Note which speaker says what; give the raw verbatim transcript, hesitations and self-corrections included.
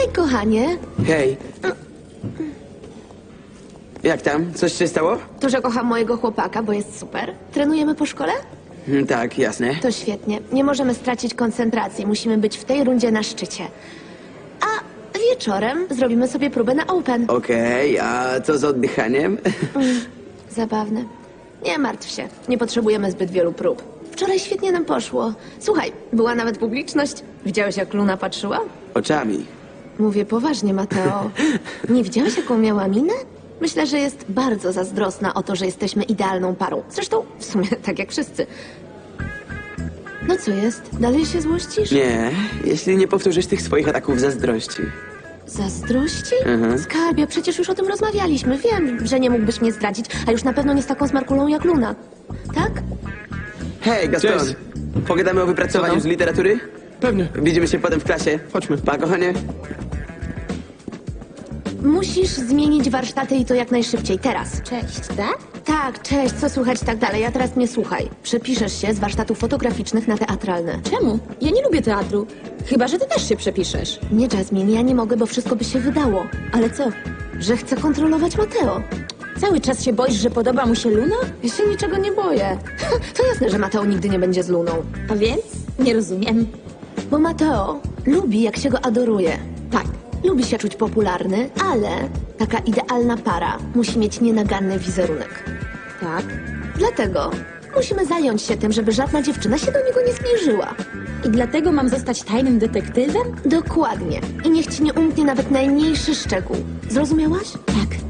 Speaker 1: Hej, kochanie.
Speaker 2: Hej. Jak tam? Coś się stało?
Speaker 1: To, że kocham mojego chłopaka, bo jest super. Trenujemy po szkole?
Speaker 2: Mm, Tak, jasne.
Speaker 1: To świetnie. Nie możemy stracić koncentracji. Musimy być w tej rundzie na szczycie. A wieczorem zrobimy sobie próbę na Open.
Speaker 2: Okej, a co z oddychaniem?
Speaker 1: Zabawne. Nie martw się. Nie potrzebujemy zbyt wielu prób. Wczoraj świetnie nam poszło. Słuchaj, była nawet publiczność. Widziałeś, jak Luna patrzyła?
Speaker 2: Oczami.
Speaker 1: Mówię poważnie, Mateo. Nie widziałeś, jaką miała minę? Myślę, że jest bardzo zazdrosna o to, że jesteśmy idealną parą. Zresztą, w sumie, tak jak wszyscy. No co jest? Dalej się złościsz?
Speaker 2: Nie, jeśli nie powtórzysz tych swoich ataków zazdrości.
Speaker 1: Zazdrości?
Speaker 2: Mhm.
Speaker 1: Skarbie, przecież już o tym rozmawialiśmy. Wiem, że nie mógłbyś mnie zdradzić, a już na pewno nie z taką smarkulą jak Luna. Tak?
Speaker 2: Hej, Gaston.
Speaker 3: Cześć.
Speaker 2: Pogadamy o wypracowaniu
Speaker 3: Co tam?
Speaker 2: z literatury?
Speaker 3: Pewnie.
Speaker 2: Widzimy się potem w klasie.
Speaker 3: Chodźmy.
Speaker 2: Pa, kochanie.
Speaker 1: Musisz zmienić warsztaty i to jak najszybciej, teraz.
Speaker 4: Cześć, tak?
Speaker 1: Tak, cześć, co słychać tak dalej, a teraz mnie słuchaj. Przepiszesz się z warsztatów fotograficznych na teatralne.
Speaker 4: Czemu? Ja nie lubię teatru. Chyba, że ty też się przepiszesz.
Speaker 1: Nie, Jasmine, ja nie mogę, bo wszystko by się wydało.
Speaker 4: Ale co?
Speaker 1: Że chcę kontrolować Mateo.
Speaker 4: Cały czas się boisz, że podoba mu się Luna?
Speaker 1: Ja się niczego nie boję. To jasne, że Mateo nigdy nie będzie z Luną.
Speaker 4: A więc? Nie rozumiem.
Speaker 1: Bo Mateo lubi, jak się go adoruje.
Speaker 4: Tak.
Speaker 1: Lubi się czuć popularny, ale taka idealna para musi mieć nienaganny wizerunek.
Speaker 4: Tak.
Speaker 1: Dlatego musimy zająć się tym, żeby żadna dziewczyna się do niego nie zbliżyła.
Speaker 4: I dlatego mam zostać tajnym detektywem?
Speaker 1: Dokładnie. I niech ci nie umknie nawet najmniejszy szczegół. Zrozumiałaś?
Speaker 4: Tak.